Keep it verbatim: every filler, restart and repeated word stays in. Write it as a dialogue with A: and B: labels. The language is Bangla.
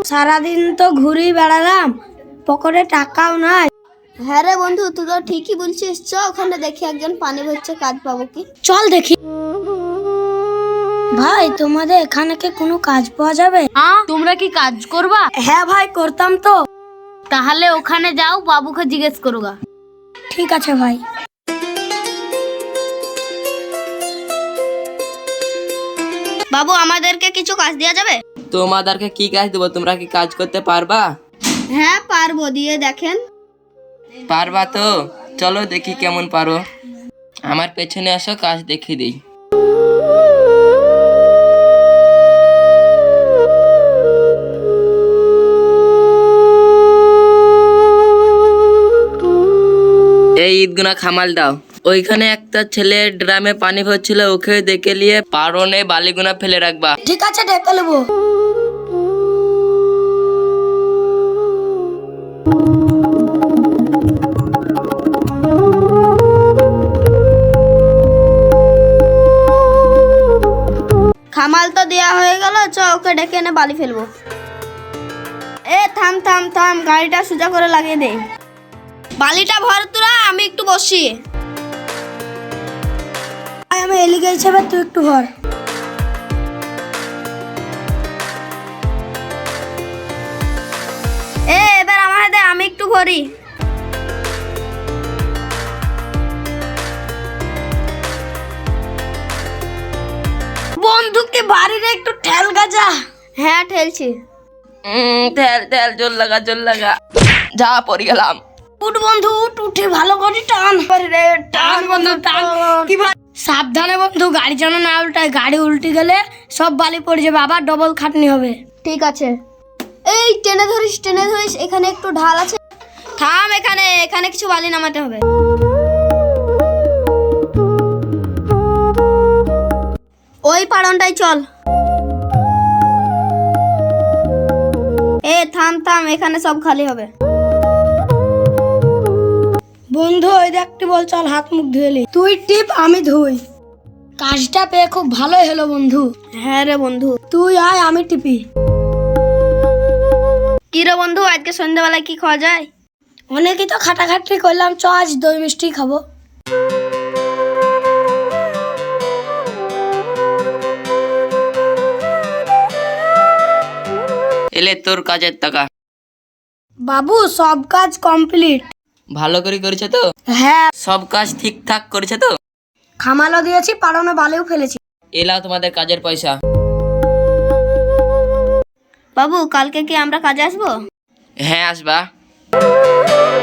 A: সারাদিন তো ঘুরি বেড়ালাম, পকেটে টাকাও নাই।
B: হ্যাঁ রে বন্ধু, তুই তো ঠিকই বলছিস। চ ওখানে দেখি একজন পানি ভরছে, কাজ পাবো কি।
A: চল দেখি। ভাই তোমাদের এখানে কি কোনো কাজ পাওয়া যাবে?
C: হ্যাঁ, তোমরা কি কাজ করবা?
A: হ্যাঁ ভাই, করতাম তো।
C: তাহলে ওখানে যাও, বাবুকে জিজ্ঞেস করোগা।
A: ঠিক আছে ভাই।
B: বাবু, আমাদেরকে কিছু কাজ দেওয়া যাবে?
D: তোমাদেরকে কি কাজ দেবো? তোমরা কি কাজ করতে পারবা?
B: হ্যাঁ পারবো, দিয়ে দেখেন।
D: পারবা তো? চলো দেখি কেমন পারো। আমার পেছনে আসো, কাজ দেখিয়ে দিই। এই ঈদগুনা খামাল দাও। ওইখানে একটা ছেলে ড্রামে পানি ভরছিল, ওকে দেখে নিয়ে পারনে বালিগুনা ফেলে রাখবা।
A: ঠিক আছে, ডেকে নেবো।
B: খামাল তো দেয়া হয়ে গেল, চ ওকে ডেকে এনে বালি ফেলবো। এ থাম থাম থাম, গাড়িটা সোজা করে লাগিয়ে দে। বালিটা ভর তোরা, আমি একটু বসি।
A: ভাই আমি এলিগে হিসেবে, তুই একটু ভর।
B: এ এবার আমার হাতে, আমি একটু ভরি।
A: বন্ধুকে বাড়ির একটু ঠেল গাজা।
B: হ্যাঁ ঠেলছি।
D: উম, তেল তেল জোর লাগা জোর লাগা। যা পড়ে গেলাম।
A: উঠ বন্ধু উঠ, উঠে ভালো করে টান। রে টান বন্ধু টান। কি ভাই, সাবধানে বন্ধু, গাড়ি যেন না উল্টায়। গাড়ি উল্টে গেলে সব বালি পড়ে যাবে, আবার ডবল খাটনি হবে।
B: ঠিক আছে। এই টেনে ধরিস, টেনে ধরিস। এখানে একটু ঢাল আছে, থাম। এখানে এখানে কিছু বালি নামাতে হবে। ওই পাড়নটাই চল। এ থাম থাম, এখানে সব খালি হবে।
A: বন্ধু ওই দেখতে বল, চল হাত মুখ ধুয়ে নি। তুই টিপ, আমি ধুই। কাজটা পেয়ে খুব ভালোই হলো বন্ধু।
B: হ্যাঁ রে বন্ধু।
A: তুই আয়, আমি টিপি।
B: কি রে বন্ধু, আজকে সন্ধ্যাবেলায় কি খাওয়া যায়?
A: অনেকেই তো খাটাখাটি করলাম, চ আজ দই মিষ্টি খাবো।
D: এলে তোর কাজের টাকা।
A: বাবু সব কাজ কমপ্লিট।
D: ভালো করে করেছে তো?
A: হ্যাঁ,
D: সব কাজ ঠিকঠাক করেছে তো?
A: খামালও দিয়েছি, পাড়নে বালিও ফেলেছি।
D: এলাও তোমাদের কাজের পয়সা।
B: বাবু, কালকে কি আমরা কাজে আসবো?
D: হ্যাঁ আসবা।